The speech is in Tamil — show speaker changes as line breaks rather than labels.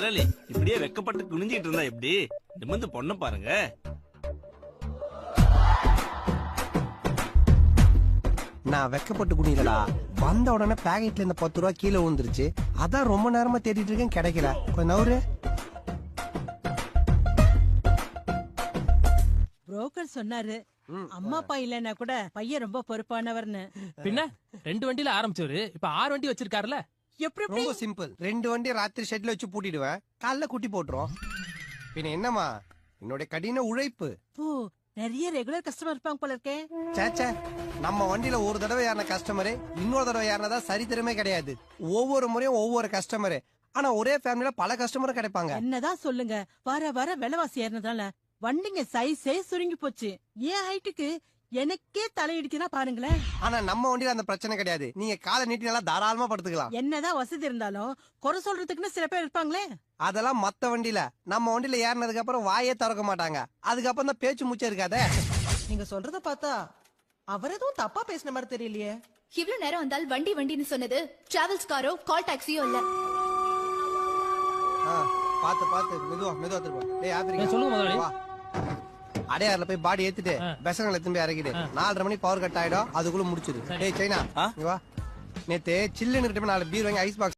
முதலாளி இப்படியே வெக்கப்பட்டு குனிஞ்சிட்டு இருந்தா எப்படி? நிமிர்ந்து பொண்ண பாருங்க.
நான் வெக்கப்பட்டு குனிலடா. வந்த உடனே பாக்கெட்ல இந்த 10 ரூபா கீழே விழுந்துருச்சு. அதான் ரொம்ப நேரமா தேடிட்டு இருக்கேன், கிடைக்கல. கொஞ்சம் நவுரு.
புரோக்கர் சொன்னாரு அம்மா அப்பா இல்லன்னா கூட பையன் ரொம்ப பொறுப்பானவர்னு.
பின்ன 2 வண்டியில ஆரம்பிச்சவரு இப்ப 6 வண்டி வச்சிருக்காருல.
எப்படி
ரொம்ப சிம்பிள். 2 வண்டி ராத்திரி ஷெட்ல வச்சு பூட்டிடுவேன், காலைல குட்டி போட்டுரும். பின்ன என்னமா என்னோட கடின உழைப்பு.
ஓ, நிறைய ரெகுலர் கஸ்டமர் இருப்பாங்க போல இருக்கே.
சேச்சே, நம்ம வண்டியில ஒரு தடவை ஏறின கஸ்டமரு இன்னொரு தடவை ஏறினதா சரித்திரமே கிடையாது. ஒவ்வொரு முறையும் ஒவ்வொரு கஸ்டமரு. ஆனா ஒரே ஃபேமிலில பல கஸ்டமரும் கிடைப்பாங்க.
என்னதான் சொல்லுங்க, வர வர விலைவாசி ஏறினதால வண்டிங்க சைஸே சுருங்கி போச்சு. ஏன் ஹைட்டுக்கு எனக்கே தலையிடுச்சுன்னா பாருங்களேன்.
ஆனா நம்ம வண்டியில அந்த பிரச்சனை கிடையாது. நீங்க காலை நீட்டி நல்லா தாராளமா படுத்துக்கலாம்.
என்னதான் வசதி இருந்தாலும் குறை சொல்றதுக்குன்னு சில பேர் இருப்பாங்களே.
அதெல்லாம் மத்த வண்டியில. நம்ம வண்டியில ஏறினதுக்கு அப்புறம் வாயே திறக்க மாட்டாங்க. அதுக்கப்புறம் தான் பேச்சு மூச்சே இருக்காதே.
நீங்க சொல்றத பார்த்தா அவர் எதுவும் தப்பா பேசின மாதிரி தெரியலையே.
இவ்வளவு நேரம் வந்தால் வண்டி வண்டின்னு சொன்னது டிராவல்ஸ் காரோ கால் டாக்ஸியோ இல்ல.
பாத்து பாத்து மெதுவா திரும்ப. டேய் ஆப்பிரிக்கா
சொல்லுங்க முதலாளி.
வா. அடையாறுல போய் பாடி ஏத்திட்டு பெசங்களை திரும்பி இறக்கிடு. 4:30 மணி பவர் கட் ஆயிடும், அதுக்குள்ள முடிச்சிரு. டேய் சைனா, இங்க வா. நேத்து சில்லுன்னு 4 பீர் வாங்கி ஐஸ் பாக்ஸ்